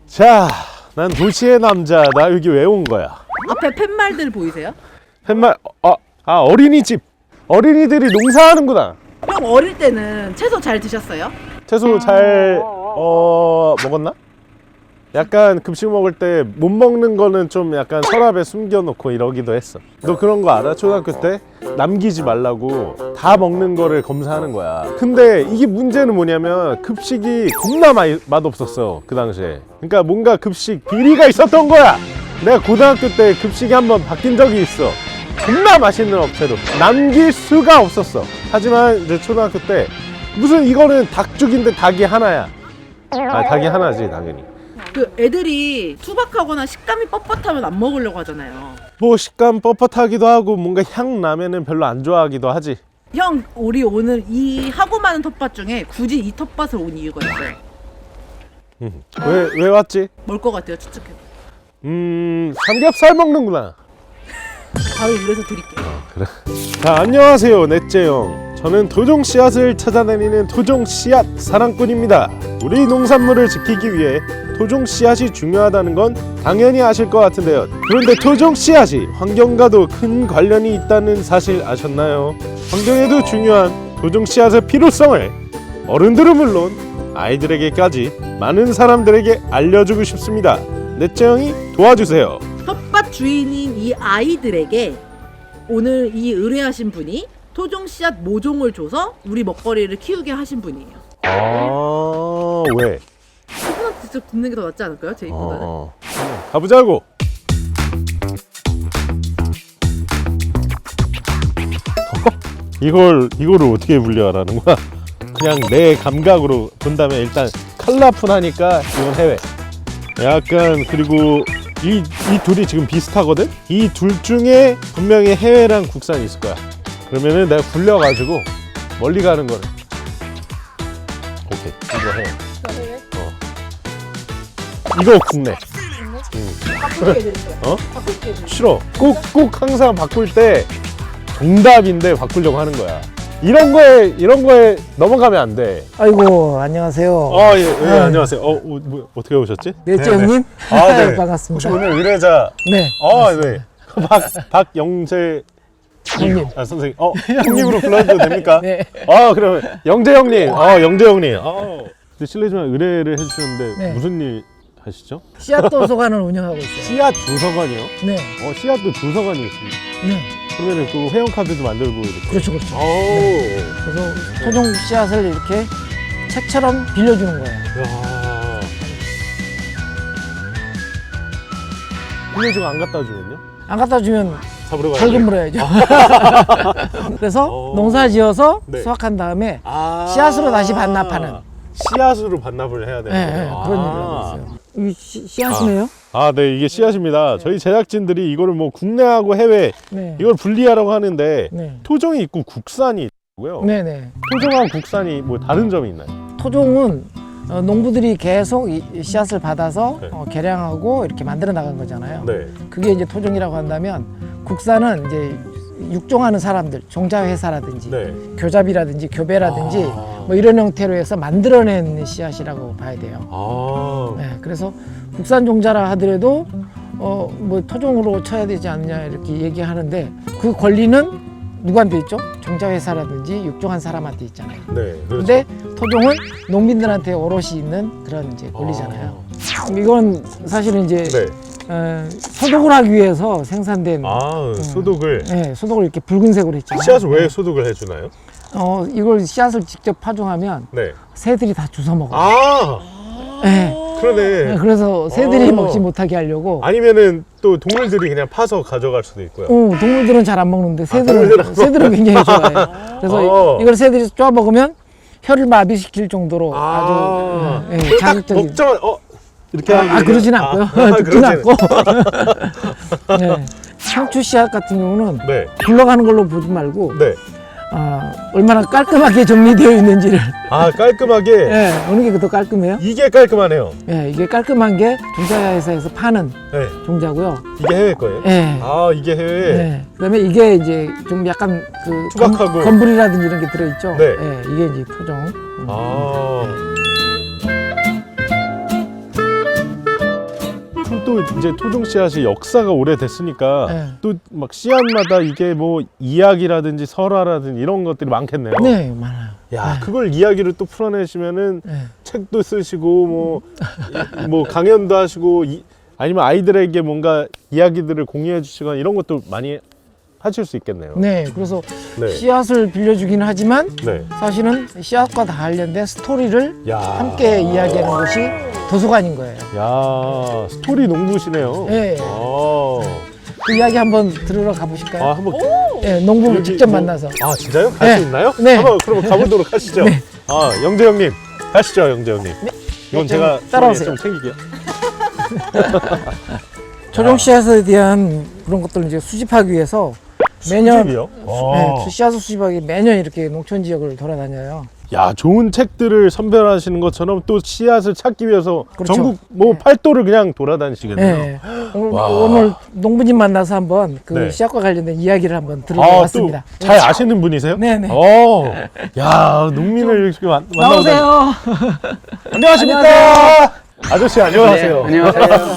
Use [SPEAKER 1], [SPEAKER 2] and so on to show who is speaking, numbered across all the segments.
[SPEAKER 1] 자, 난 도시의 남자. 나 여기 왜 온 거야?
[SPEAKER 2] 앞에 팻말들 보이세요?
[SPEAKER 1] 팻말, 어린이집. 어린이들이 농사하는구나.
[SPEAKER 2] 형 어릴 때는 채소 잘 드셨어요?
[SPEAKER 1] 채소 잘 먹었나? 약간 급식 먹을 때 못 먹는 거는 좀 약간 서랍에 숨겨놓고 이러기도 했어. 너 그런 거 알아? 초등학교 때 남기지 말라고 다 먹는 거를 검사하는 거야. 근데 이게 문제는 뭐냐면 급식이 겁나 맛없었어, 그 당시에. 그러니까 뭔가 급식 비리가 있었던 거야. 내가 고등학교 때 급식이 한번 바뀐 적이 있어. 겁나 맛있는 업체로 남길 수가 없었어. 하지만 이제 초등학교 때 무슨 이거는 닭죽인데 닭이 하나야. 닭이 하나지 당연히.
[SPEAKER 2] 그 애들이 투박하거나 식감이 뻣뻣하면 안 먹으려고 하잖아요.
[SPEAKER 1] 뭐 식감 뻣뻣하기도 하고 뭔가 향 나면은 별로 안 좋아하기도 하지.
[SPEAKER 2] 형 우리 오늘 이 하고 많은 텃밭 중에 굳이 이 텃밭을 온 이유가 있어요.
[SPEAKER 1] 왜 왔지?
[SPEAKER 2] 뭘 것 같아요? 추측해.
[SPEAKER 1] 삼겹살 먹는구나.
[SPEAKER 2] 바로 이래서 드릴게요.
[SPEAKER 1] 그래. 자, 안녕하세요, 넷째형. 저는 토종 씨앗을 찾아다니는 토종 씨앗 사랑꾼입니다. 우리 농산물을 지키기 위해 토종 씨앗이 중요하다는 건 당연히 아실 것 같은데요. 그런데 토종 씨앗이 환경과도 큰 관련이 있다는 사실 아셨나요? 환경에도 중요한 토종 씨앗의 필요성을 어른들은 물론 아이들에게까지 많은 사람들에게 알려주고 싶습니다. 넷째형이 도와주세요.
[SPEAKER 2] 텃밭 주인인 이 아이들에게 오늘 이 의뢰하신 분이 토종 씨앗 모종을 줘서 우리 먹거리를 키우게 하신 분이에요.
[SPEAKER 1] 왜?
[SPEAKER 2] 그분한테 직접 듣는 게 더 낫지 않을까요? 제 입보다는.
[SPEAKER 1] 가보자고. 이거를 어떻게 분류하라는 거야? 그냥 내 감각으로 본다면 일단 컬러풀하니까 이건 해외. 약간 그리고 이 둘이 지금 비슷하거든? 이 둘 중에 분명히 해외랑 국산이 있을 거야. 그러면은 내가 굴려가지고 멀리 가는 거를. 오케이, 이거 해. 이거 국내.
[SPEAKER 2] 바꾸게 해드릴게요. 바꾸게 해드릴게요.
[SPEAKER 1] 싫어. 꼭 항상 바꿀 때 정답인데 바꾸려고 하는 거야. 이런 거에 넘어가면 안 돼.
[SPEAKER 3] 아이고 안녕하세요.
[SPEAKER 1] 예, 안녕하세요. 뭐, 어떻게 오셨지?
[SPEAKER 3] 넷째 형님.
[SPEAKER 1] 네.
[SPEAKER 3] 반갑습니다.
[SPEAKER 1] 혹시 오늘 의뢰자?
[SPEAKER 3] 네.
[SPEAKER 1] 네. 박영재
[SPEAKER 3] 형님.
[SPEAKER 1] 선생님. 형님으로 불러도 됩니까?
[SPEAKER 3] 네.
[SPEAKER 1] 그러면 영재 형님. 영재 형님. 근데 실례지만 의뢰를 해주셨는데
[SPEAKER 3] 네.
[SPEAKER 1] 무슨 일 하시죠?
[SPEAKER 3] 씨앗 도서관을 운영하고 있어요.
[SPEAKER 1] 씨앗 도서관이요?
[SPEAKER 3] 네.
[SPEAKER 1] 씨앗도 도서관이 있습니다.
[SPEAKER 3] 네.
[SPEAKER 1] 그러면은 그 회원카드도 만들고 이렇게.
[SPEAKER 3] 그렇죠, 그렇죠.
[SPEAKER 1] 네.
[SPEAKER 3] 그래서 토종 씨앗을 이렇게 책처럼 빌려주는 거예요.
[SPEAKER 1] 야. 빌려주고 안 갖다 주면요?
[SPEAKER 3] 안 갖다 주면
[SPEAKER 1] 잡으러 가야
[SPEAKER 3] 벌금 물어야죠. 그래서 농사 지어서
[SPEAKER 1] 네.
[SPEAKER 3] 수확한 다음에 씨앗으로 다시 반납하는.
[SPEAKER 1] 씨앗으로 반납을 해야 되는
[SPEAKER 3] 네,
[SPEAKER 1] 거예요.
[SPEAKER 3] 네, 그런 일을 하고 있어요. 이 씨앗이네요.
[SPEAKER 1] 네, 이게 씨앗입니다. 저희 제작진들이 이거를 뭐 국내하고 해외
[SPEAKER 3] 네.
[SPEAKER 1] 이걸 분리하라고 하는데
[SPEAKER 3] 네.
[SPEAKER 1] 토종이 있고 국산이 있고요.
[SPEAKER 3] 네네.
[SPEAKER 1] 토종하고 국산이 뭐 다른 점이 있나요?
[SPEAKER 3] 토종은 농부들이 계속 이 씨앗을 받아서
[SPEAKER 1] 네.
[SPEAKER 3] 개량하고 이렇게 만들어 나간 거잖아요.
[SPEAKER 1] 네.
[SPEAKER 3] 그게 이제 토종이라고 한다면 국산은 이제 육종하는 사람들, 종자회사라든지
[SPEAKER 1] 네.
[SPEAKER 3] 교잡이라든지 교배라든지 뭐 이런 형태로 해서 만들어낸 씨앗이라고 봐야 돼요. 네, 그래서 국산 종자라 하더라도 뭐 토종으로 쳐야 되지 않느냐 이렇게 얘기하는데 그 권리는 누구한테 있죠? 종자회사라든지 육종한 사람한테 있잖아요.
[SPEAKER 1] 네. 그렇죠.
[SPEAKER 3] 근데 토종은 농민들한테 오롯이 있는 그런 이제 권리잖아요. 이건 사실은 이제
[SPEAKER 1] 네.
[SPEAKER 3] 소독을 하기 위해서 생산된
[SPEAKER 1] 소독을.
[SPEAKER 3] 네, 소독을 이렇게 붉은색으로 했잖아요.
[SPEAKER 1] 씨앗을 왜 소독을 해주나요?
[SPEAKER 3] 이걸 씨앗을 직접 파종하면
[SPEAKER 1] 네.
[SPEAKER 3] 새들이 다 주워 먹어요. 네.
[SPEAKER 1] 그러네.
[SPEAKER 3] 그래서 새들이 먹지 못하게 하려고.
[SPEAKER 1] 아니면은 또 동물들이 그냥 파서 가져갈 수도 있고요.
[SPEAKER 3] 동물들은 잘 안 먹는데
[SPEAKER 1] 동물들은
[SPEAKER 3] 새들은 굉장히 좋아해요. 그래서 이걸 새들이 쪼아 먹으면 혀를 마비시킬 정도로 아주 자극적인.
[SPEAKER 1] 먹자마자 이렇게 하면
[SPEAKER 3] 그러진 않고요. 죽진 않고. 네. 상추 씨앗 같은 경우는
[SPEAKER 1] 네.
[SPEAKER 3] 굴러가는 걸로 보지 말고
[SPEAKER 1] 네.
[SPEAKER 3] 얼마나 깔끔하게 정리되어 있는지를.
[SPEAKER 1] 깔끔하게.
[SPEAKER 3] 어느 게 더 깔끔해요?
[SPEAKER 1] 이게 깔끔하네요.
[SPEAKER 3] 이게 깔끔한 게 종자회사에서 파는
[SPEAKER 1] 네.
[SPEAKER 3] 종자고요.
[SPEAKER 1] 이게 해외 거예요?
[SPEAKER 3] 네.
[SPEAKER 1] 이게 해외.
[SPEAKER 3] 그다음에 이게 이제 좀 약간 그
[SPEAKER 1] 투박하고.
[SPEAKER 3] 건물이라든지 이런 게 들어있죠.
[SPEAKER 1] 네.
[SPEAKER 3] 이게 이제 토종.
[SPEAKER 1] 또 이제 토종 씨앗이 역사가 오래됐으니까
[SPEAKER 3] 네.
[SPEAKER 1] 또 막 씨앗마다 이게 뭐 이야기라든지 설화라든지 이런 것들이 많겠네요.
[SPEAKER 3] 네, 많아요.
[SPEAKER 1] 야,
[SPEAKER 3] 네.
[SPEAKER 1] 그걸 이야기를 또 풀어내시면은
[SPEAKER 3] 네.
[SPEAKER 1] 책도 쓰시고 뭐 강연도 하시고 아니면 아이들에게 뭔가 이야기들을 공유해 주시거나 이런 것도 많이 하실 수 있겠네요.
[SPEAKER 3] 네, 그래서
[SPEAKER 1] 네.
[SPEAKER 3] 씨앗을 빌려주기는 하지만
[SPEAKER 1] 네.
[SPEAKER 3] 사실은 씨앗과 다 관련된 스토리를
[SPEAKER 1] 야.
[SPEAKER 3] 함께 이야기하는 곳이 도서관인 거예요.
[SPEAKER 1] 야, 스토리 농부시네요.
[SPEAKER 3] 네. 그 이야기 한번 들으러 가보실까요?
[SPEAKER 1] 아, 한번
[SPEAKER 3] 네, 농부를
[SPEAKER 1] 여기
[SPEAKER 3] 직접
[SPEAKER 1] 뭐-
[SPEAKER 3] 만나서.
[SPEAKER 1] 아, 진짜요? 갈
[SPEAKER 3] 네.
[SPEAKER 1] 수 있나요?
[SPEAKER 3] 네.
[SPEAKER 1] 한번 그럼 가보도록 하시죠.
[SPEAKER 3] 네.
[SPEAKER 1] 아, 영재 형님. 가시죠, 영재 형님. 이건
[SPEAKER 3] 좀
[SPEAKER 1] 제가
[SPEAKER 3] 따라오세요.
[SPEAKER 1] 좀 챙길게요.
[SPEAKER 3] 토종 씨앗에 대한 그런 것들을 이제 수집하기 위해서 매년
[SPEAKER 1] 수집이요?
[SPEAKER 3] 네, 씨앗을 수집하기 매년 이렇게 농촌 지역을 돌아다녀요.
[SPEAKER 1] 야, 좋은 책들을 선별하시는 것처럼 또 씨앗을 찾기 위해서
[SPEAKER 3] 그렇죠.
[SPEAKER 1] 전국 뭐 팔도를 그냥 돌아다니시겠네요.
[SPEAKER 3] 네.
[SPEAKER 1] 와.
[SPEAKER 3] 오늘 농부님 만나서 한번 그
[SPEAKER 1] 네.
[SPEAKER 3] 씨앗과 관련된 이야기를 한번
[SPEAKER 1] 아,
[SPEAKER 3] 들어봤습니다.
[SPEAKER 1] 또 잘 아시는 분이세요?
[SPEAKER 3] 네네.
[SPEAKER 1] 야, 농민을 이렇게 만나고
[SPEAKER 3] 나오세요.
[SPEAKER 1] 안녕하십니까? 아저씨 안녕하세요.
[SPEAKER 4] 네, 안녕하세요.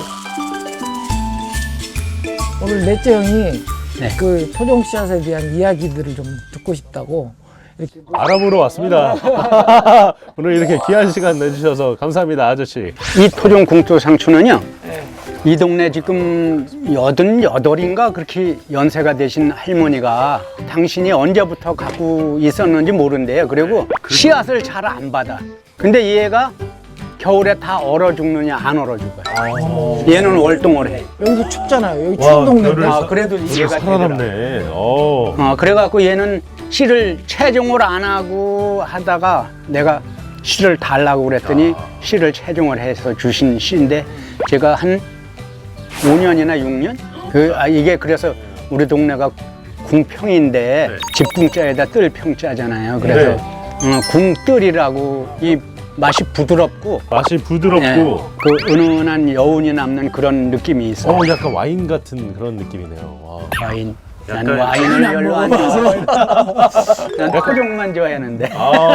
[SPEAKER 3] 오늘 넷째 형이
[SPEAKER 4] 네.
[SPEAKER 3] 그 토종 씨앗에 대한 이야기들을 좀 듣고 싶다고 이렇게
[SPEAKER 1] 알아보러 왔습니다. 오늘 이렇게 귀한 시간 내주셔서 감사합니다, 아저씨.
[SPEAKER 4] 이 토종 궁토 상추는요. 이 동네 지금 88인가 그렇게 연세가 되신 할머니가 당신이 언제부터 갖고 있었는지 모른대요. 그리고 씨앗을 잘 안 받아. 근데 얘가 겨울에 다 얼어 죽느냐 안 얼어 죽어요. 얘는 월동을 해.
[SPEAKER 3] 여기도 춥잖아요. 여기
[SPEAKER 1] 와,
[SPEAKER 3] 추운 동네인데.
[SPEAKER 1] 별을
[SPEAKER 4] 아, 그래도
[SPEAKER 1] 오늘
[SPEAKER 4] 이해가 되더라.
[SPEAKER 1] 살아남네.
[SPEAKER 4] 그래갖고 얘는 씨를 채종을 안 하고 하다가 내가 씨를 달라고 그랬더니 씨를 채종을 해서 주신 씨인데 제가 한 5년이나 6년? 이게 그래서 우리 동네가 궁평인데
[SPEAKER 1] 네.
[SPEAKER 4] 집궁자에다 뜰평자잖아요. 그래서 궁뜰이라고 이 맛이 부드럽고
[SPEAKER 1] 맛이 부드럽고,
[SPEAKER 4] 예, 그 은은한 여운이 남는 그런 느낌이 있어요.
[SPEAKER 1] 약간 와인 같은 그런 느낌이네요. 와.
[SPEAKER 4] 와인. 난
[SPEAKER 1] 약간-
[SPEAKER 4] 와인을 별로 안 좋아해. 난 토종만 좋아하는데.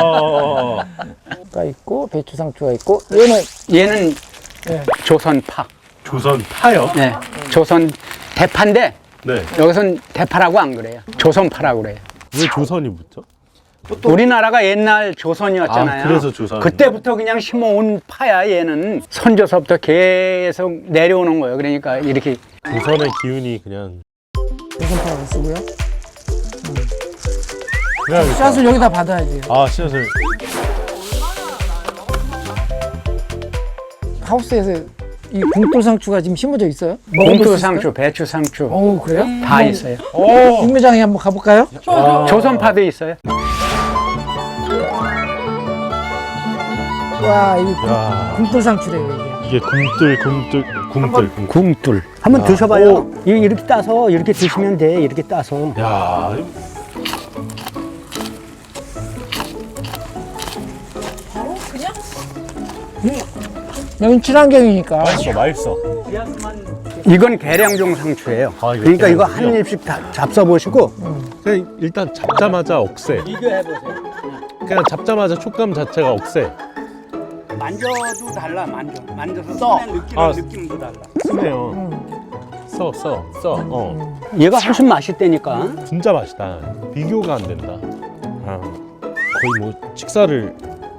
[SPEAKER 3] 가 있고 배추상추가 있고 얘는
[SPEAKER 4] 얘는
[SPEAKER 3] 네.
[SPEAKER 4] 조선파.
[SPEAKER 1] 조선 파요?
[SPEAKER 4] 네. 조선 대파인데
[SPEAKER 1] 네.
[SPEAKER 4] 여기선 대파라고 안 그래요. 조선파라고 그래요.
[SPEAKER 1] 왜 조선이 붙죠?
[SPEAKER 4] 우리나라가 옛날 조선이었잖아요.
[SPEAKER 1] 아, 그래서 조선.
[SPEAKER 4] 그때부터 그냥 심어온 파야. 얘는 선조서부터 계속 내려오는 거예요. 그러니까 이렇게
[SPEAKER 1] 조선의 기운이 그냥
[SPEAKER 3] 조선파를 쓰고요.
[SPEAKER 1] 그냥
[SPEAKER 3] 씨앗을 여기다 받아야지.
[SPEAKER 1] 씨앗을
[SPEAKER 3] 하우스에서 이 궁돌상추가 지금 심어져 있어요? 먹어볼 수
[SPEAKER 4] 봉투
[SPEAKER 3] 있을까요?
[SPEAKER 4] 상추, 배추 상추
[SPEAKER 3] 어, 그래요?
[SPEAKER 4] 다 있어요.
[SPEAKER 3] 육매장에 한번 가볼까요?
[SPEAKER 4] 조선파도 있어요.
[SPEAKER 3] 와, 이게
[SPEAKER 1] 야,
[SPEAKER 3] 궁돌상추래요, 이게.
[SPEAKER 1] 이게 궁뜰.
[SPEAKER 4] 궁tul. 한번 드셔봐요. 이렇게 따서 이렇게 드시면 돼. 이렇게 따서.
[SPEAKER 1] 야,
[SPEAKER 3] 여긴 친환경이니까.
[SPEAKER 1] 맛있어.
[SPEAKER 4] 이건 계량종 상추예요.
[SPEAKER 1] 아, 이거
[SPEAKER 4] 그러니까 이거
[SPEAKER 1] 계량종이요?
[SPEAKER 4] 한 입씩 다 잡숴보시고
[SPEAKER 1] 그냥 일단 잡자마자 억세.
[SPEAKER 4] 비교해보세요.
[SPEAKER 1] 그냥 잡자마자 촉감 자체가 억세.
[SPEAKER 4] 만져도 달라. 만져서
[SPEAKER 3] 써.
[SPEAKER 4] 느끼는
[SPEAKER 1] 아.
[SPEAKER 4] 느낌도 달라.
[SPEAKER 1] 쓰네요. 써.
[SPEAKER 4] 얘가 훨씬 맛있다니까.
[SPEAKER 1] 진짜 맛있다. 비교가 안 된다. 거의 뭐 식사를.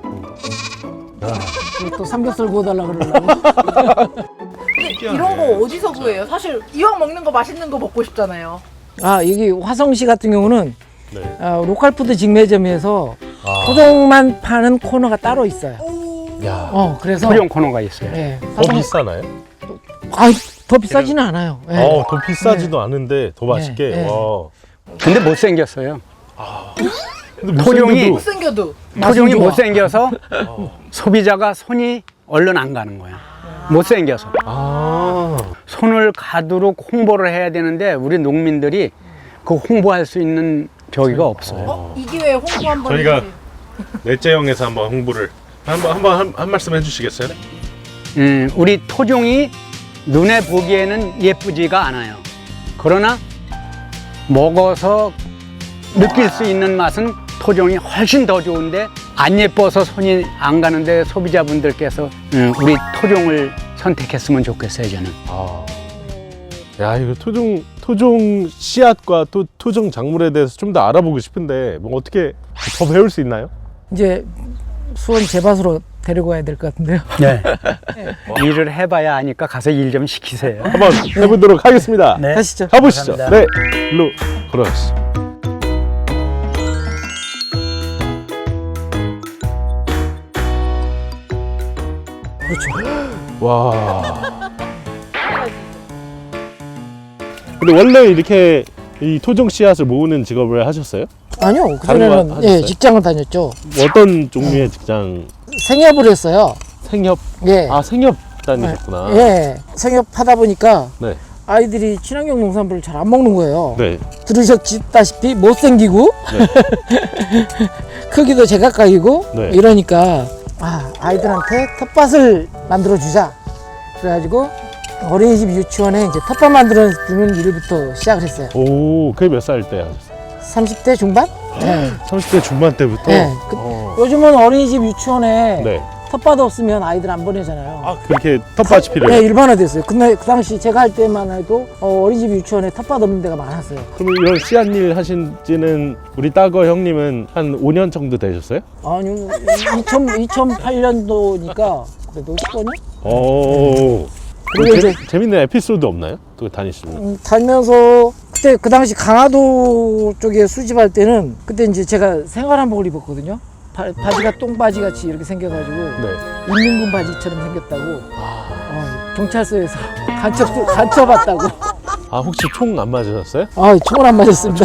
[SPEAKER 3] 또 삼겹살 구워달라 그러려고.
[SPEAKER 2] 이런 거 어디서 구해요? 사실 이왕 먹는 거 맛있는 거 먹고 싶잖아요.
[SPEAKER 3] 아, 여기 화성시 같은 경우는
[SPEAKER 1] 네.
[SPEAKER 3] 로컬푸드 직매점에서
[SPEAKER 1] 아.
[SPEAKER 3] 토종만 파는 코너가 따로 있어요.
[SPEAKER 1] 야,
[SPEAKER 3] 그래서
[SPEAKER 4] 토종 코너가 있어요.
[SPEAKER 3] 예,
[SPEAKER 1] 더 비싸나요?
[SPEAKER 3] 더 비싸지는 않아요. 예.
[SPEAKER 1] 더 비싸지도 않은데 더 맛있게.
[SPEAKER 3] 네.
[SPEAKER 1] 와.
[SPEAKER 4] 근데 못생겼어요.
[SPEAKER 1] 근데
[SPEAKER 4] 토종이-
[SPEAKER 1] 못생겨도-
[SPEAKER 2] 생겨도
[SPEAKER 4] 토종이
[SPEAKER 3] 좋아.
[SPEAKER 4] 못생겨서 소비자가 손이 얼른 안 가는 거야. 못생겨서. 손을 가도록 홍보를 해야 되는데 우리 농민들이 그 홍보할 수 있는 저기가 없어요.
[SPEAKER 2] 이 기회에 홍보 한번
[SPEAKER 1] 저희가
[SPEAKER 2] 해주세요.
[SPEAKER 1] 넷째형에서 한번 홍보를 한 말씀 해주시겠어요?
[SPEAKER 4] 우리 토종이 눈에 보기에는 예쁘지가 않아요. 그러나 먹어서 느낄 수 있는 맛은 토종이 훨씬 더 좋은데 안 예뻐서 손이 안 가는데 소비자분들께서 우리 토종을 선택했으면 좋겠어요, 저는.
[SPEAKER 1] 아. 야, 이거 토종 씨앗과 또 토종 작물에 대해서 좀 더 알아보고 싶은데 뭐 어떻게 더 배울 수 있나요?
[SPEAKER 3] 이제 수원 제밭으로 데리고 가야 될 것 같은데요.
[SPEAKER 4] 네. 일을 해봐야 아니까 가서 일 좀 시키세요.
[SPEAKER 1] 한번 해보도록 하겠습니다.
[SPEAKER 4] 네.
[SPEAKER 3] 가시죠.
[SPEAKER 1] 가보시죠.
[SPEAKER 4] 감사합니다.
[SPEAKER 1] 네, 일로 걸어가시죠.
[SPEAKER 3] 그렇죠.
[SPEAKER 1] 와. 근데 원래 이렇게 이 토종 씨앗을 모으는 직업을 하셨어요?
[SPEAKER 3] 아니요.
[SPEAKER 1] 다른 거
[SPEAKER 3] 그전에는
[SPEAKER 1] 하셨어요?
[SPEAKER 3] 직장을 다녔죠.
[SPEAKER 1] 어떤 종류의 직장?
[SPEAKER 3] 생협을 했어요.
[SPEAKER 1] 생협?
[SPEAKER 3] 예.
[SPEAKER 1] 아, 생협 다니셨구나.
[SPEAKER 3] 예. 생협하다 보니까
[SPEAKER 1] 네.
[SPEAKER 3] 아이들이 친환경 농산물을 잘 안 먹는 거예요.
[SPEAKER 1] 네.
[SPEAKER 3] 들으셨다시피 못생기고 크기도 제각각이고
[SPEAKER 1] 네.
[SPEAKER 3] 이러니까 아이들한테 텃밭을 만들어 주자. 그래가지고 어린이집 유치원에 이제 텃밭 만들어 주는 일부터 시작을 했어요.
[SPEAKER 1] 오, 그게 몇 살 때 하셨어요?
[SPEAKER 3] 30대 중반? 네.
[SPEAKER 1] 30대 중반 때부터?
[SPEAKER 3] 네. 요즘은 어린이집 유치원에
[SPEAKER 1] 네.
[SPEAKER 3] 텃밭 없으면 아이들 안 보내잖아요.
[SPEAKER 1] 아, 그렇게 텃밭이 필요해요?
[SPEAKER 3] 네, 일반화됐어요. 근데 그 당시 제가 할 때만 해도 어린이집 유치원에 탓밭 없는 데가 많았어요.
[SPEAKER 1] 그럼 이런 씨앗 일 하신 지는 우리 따거 형님은 한 5년 정도 되셨어요?
[SPEAKER 3] 아니, 2008년도니까 그래도 10년이?
[SPEAKER 1] 오.
[SPEAKER 3] 그리고 이제
[SPEAKER 1] 재밌는 에피소드 없나요? 그 다니시면.
[SPEAKER 3] 살면서 그때 그 당시 강화도 쪽에 수집할 때는 그때 이제 제가 생활한복을 입었거든요. 바지가 똥바지 같이 이렇게 생겨가지고
[SPEAKER 1] 네.
[SPEAKER 3] 인민군 바지처럼 생겼다고 경찰서에서 간첩 왔다고.
[SPEAKER 1] 아, 혹시 총 안 맞으셨어요?
[SPEAKER 3] 총을 안 맞았습니다.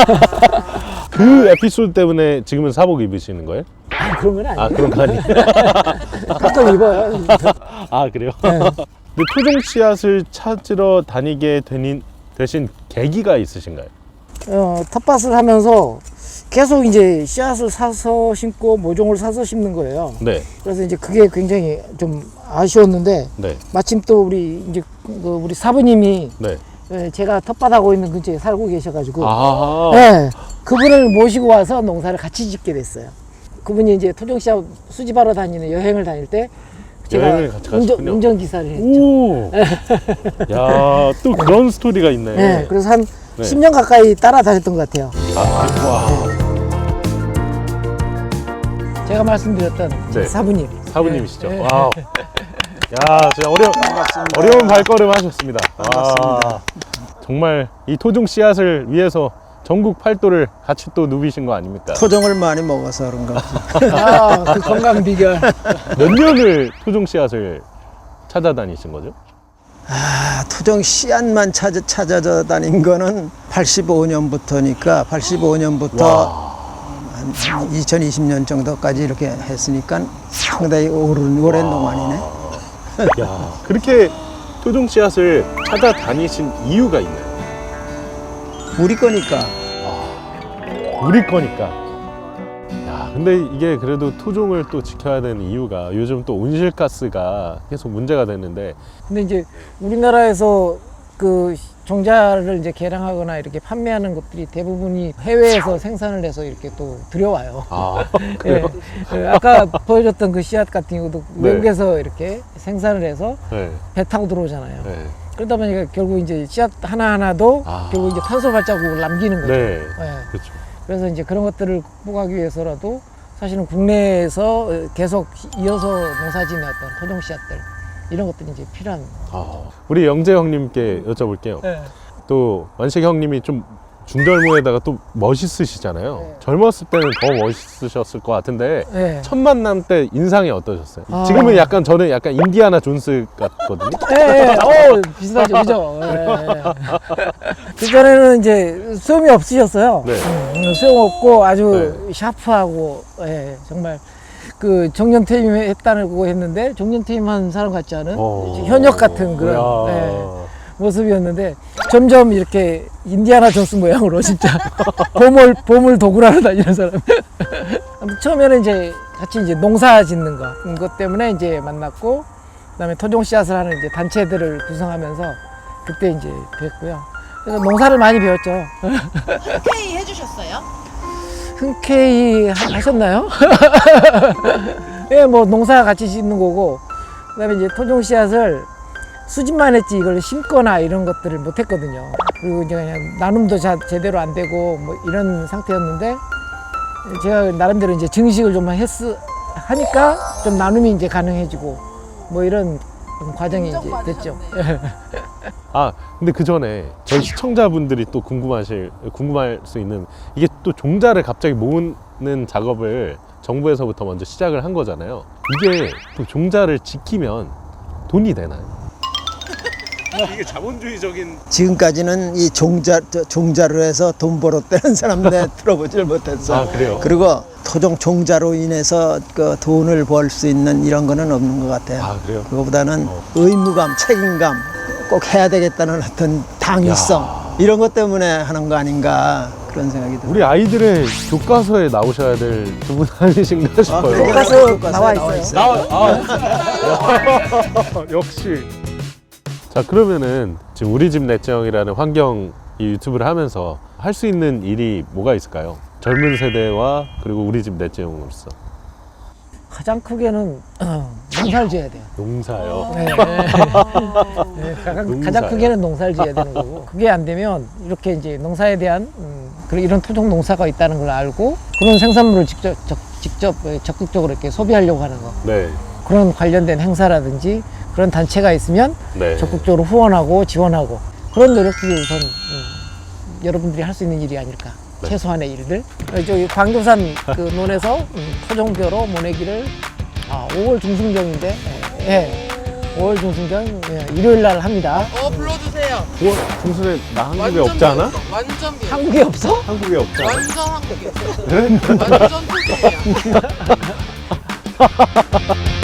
[SPEAKER 1] 그 에피소드 때문에 지금은 사복 입으시는 거예요?
[SPEAKER 3] 그런 건 아니에요.
[SPEAKER 1] 아, 그런 거 아니에요?
[SPEAKER 3] 가끔 입어요.
[SPEAKER 1] 아, 그래요?
[SPEAKER 3] 네.
[SPEAKER 1] 근데 토종 씨앗을 찾으러 다니게 되신 계기가 있으신가요?
[SPEAKER 3] 텃밭을 하면서 계속 이제 씨앗을 사서 심고 모종을 사서 심는 거예요.
[SPEAKER 1] 네.
[SPEAKER 3] 그래서 이제 그게 굉장히 좀 아쉬웠는데
[SPEAKER 1] 네.
[SPEAKER 3] 마침 또 우리 사부님이
[SPEAKER 1] 네.
[SPEAKER 3] 제가 텃밭하고 있는 근처에 살고 계셔가지고
[SPEAKER 1] 아.
[SPEAKER 3] 네, 그분을 모시고 와서 농사를 같이 짓게 됐어요. 그분이 이제 토종 씨앗 수집하러 다니는 여행을 다닐 때 제가
[SPEAKER 1] 여행을 같이 가셨군요.
[SPEAKER 3] 운전기사를 했죠.
[SPEAKER 1] 오. 야, 또 그런 스토리가 있네.
[SPEAKER 3] 네, 그래서 한
[SPEAKER 1] 네.
[SPEAKER 3] 10년 가까이 따라다녔던 것 같아요.
[SPEAKER 1] 와.
[SPEAKER 3] 제가 말씀드렸던
[SPEAKER 1] 네.
[SPEAKER 3] 사부님.
[SPEAKER 1] 사부님이시죠?
[SPEAKER 3] 네.
[SPEAKER 1] 와우. 야, 진짜 어려운 발걸음 하셨습니다. 와. 정말 이 토종 씨앗을 위해서 전국 팔도를 같이 또 누비신 거 아닙니까?
[SPEAKER 5] 토종을 많이 먹어서 그런가 보지.
[SPEAKER 3] 그 건강 비결.
[SPEAKER 1] 몇 년을 토종 씨앗을 찾아다니신 거죠?
[SPEAKER 5] 토종 씨앗만 찾아다닌 거는 85년부터니까 85년부터
[SPEAKER 1] 와.
[SPEAKER 5] 한 2020년 정도까지 이렇게 했으니까 상당히 오랜 동안이네.
[SPEAKER 1] 야, 그렇게 토종 씨앗을 찾아다니신 이유가 있나요?
[SPEAKER 5] 우리 거니까.
[SPEAKER 1] 우리 거니까. 야, 근데 이게 그래도 토종을 또 지켜야 되는 이유가 요즘 또 온실가스가 계속 문제가 되는데.
[SPEAKER 3] 근데 이제 우리나라에서 그 종자를 이제 개량하거나 이렇게 판매하는 것들이 대부분이 해외에서 생산을 해서 이렇게 또 들여와요.
[SPEAKER 1] 아, 그래요?
[SPEAKER 3] 아까 보여줬던 그 씨앗 같은 경우도
[SPEAKER 1] 네.
[SPEAKER 3] 외국에서 이렇게 생산을 해서
[SPEAKER 1] 네.
[SPEAKER 3] 배 타고 들어오잖아요.
[SPEAKER 1] 네.
[SPEAKER 3] 그러다 보니까 결국 이제 씨앗 하나하나도 결국 이제 탄소 발자국을 남기는 거죠.
[SPEAKER 1] 네.
[SPEAKER 3] 네.
[SPEAKER 1] 그렇죠.
[SPEAKER 3] 그래서 이제 그런 것들을 극복하기 위해서라도 사실은 국내에서 계속 이어서 농사짓는 어떤 토종 씨앗들 이런 것들이 이제 필요한.
[SPEAKER 1] 우리 영재 형님께 여쭤볼게요.
[SPEAKER 3] 네.
[SPEAKER 1] 또 완식 형님이 좀 중절모에다가 또 멋있으시잖아요.
[SPEAKER 3] 네.
[SPEAKER 1] 젊었을 때는 더 멋있으셨을 것 같은데
[SPEAKER 3] 네.
[SPEAKER 1] 첫 만남 때 인상이 어떠셨어요?
[SPEAKER 3] 아.
[SPEAKER 1] 지금은 약간 저는 약간 인디아나 존스 같거든요.
[SPEAKER 3] 예, 비슷하죠, 그죠? 그전에는 이제 수염이 없으셨어요.
[SPEAKER 1] 네.
[SPEAKER 3] 수염 없고 아주 샤프하고, 정말 그 정년퇴임 했다고 했는데 정년퇴임한 사람 같지 않은 현역 같은 그런 모습이었는데 점점 이렇게 인디아나 존스 모양으로 진짜 보물 도구라로 다니는 사람. 아무튼 처음에는 이제 같이 이제 농사 짓는 것 때문에 이제 만났고, 그다음에 토종 씨앗을 하는 이제 단체들을 구성하면서 그때 이제 뵀고요. 그래서 농사를 많이 배웠죠.
[SPEAKER 2] 흔쾌히 해주셨어요?
[SPEAKER 3] 흔쾌히 하셨나요? 예, 뭐 농사 같이 짓는 거고, 그다음에 이제 토종 씨앗을 수집만 했지 이걸 심거나 이런 것들을 못 했거든요. 그리고 이제 그냥 나눔도 제대로 안 되고 뭐 이런 상태였는데 제가 나름대로 이제 증식을 좀 하니까 좀 나눔이 이제 가능해지고 뭐 이런 과정이 이제 됐죠.
[SPEAKER 1] 아 근데 그 전에 저희 시청자분들이 또 궁금할 수 있는 이게 또 종자를 갑자기 모으는 작업을 정부에서부터 먼저 시작을 한 거잖아요. 이게 또 종자를 지키면 돈이 되나요? 이게 자본주의적인
[SPEAKER 5] 지금까지는 이 종자로 해서 돈 벌었다는 사람들 들어보질 못했어.
[SPEAKER 1] 아 그래요?
[SPEAKER 5] 그리고 토종 종자로 인해서 그 돈을 벌 수 있는 이런 거는 없는 것 같아요.
[SPEAKER 1] 아 그래요?
[SPEAKER 5] 그거보다는 의무감, 책임감, 꼭 해야 되겠다는 어떤 당위성 이런 것 때문에 하는 거 아닌가 그런 생각이 들어요.
[SPEAKER 1] 우리 아이들의 교과서에 나오셔야 될 두 분 아니신가 싶어요.
[SPEAKER 3] 교과서 나와 있어요.
[SPEAKER 1] 역시. 자 그러면은 지금 우리 집 넷째형이라는 환경 이 유튜브를 하면서 할 수 있는 일이 뭐가 있을까요? 젊은 세대와 그리고 우리 집 넷째형으로서
[SPEAKER 3] 가장 크게는 농사를 지어야 돼요.
[SPEAKER 1] 농사요.
[SPEAKER 3] 네. 가장
[SPEAKER 1] 농사요?
[SPEAKER 3] 크게는 농사를 지어야 되는 거고 그게 안 되면 이렇게 이제 농사에 대한 그리고 이런 토종 농사가 있다는 걸 알고 그런 생산물을 직접 적극적으로 이렇게 소비하려고 하는 거
[SPEAKER 1] 네.
[SPEAKER 3] 그런 관련된 행사라든지 그런 단체가 있으면
[SPEAKER 1] 네.
[SPEAKER 3] 적극적으로 후원하고 지원하고 그런 노력들이 우선 여러분들이 할 수 있는 일이 아닐까.
[SPEAKER 1] 네.
[SPEAKER 3] 최소한의 일들. 저기 광교산 그 논에서 토종벼로 모내기를 5월 중순경인데, 예, 5월 중순경 일요일 날 합니다.
[SPEAKER 2] 불러주세요.
[SPEAKER 1] 중순에 나 한국에 없지 않아?
[SPEAKER 2] 완전 비.
[SPEAKER 3] 한국에 없어?
[SPEAKER 1] 한국에 없지 않아?
[SPEAKER 2] 완전 한국이야. 완전 토종이야.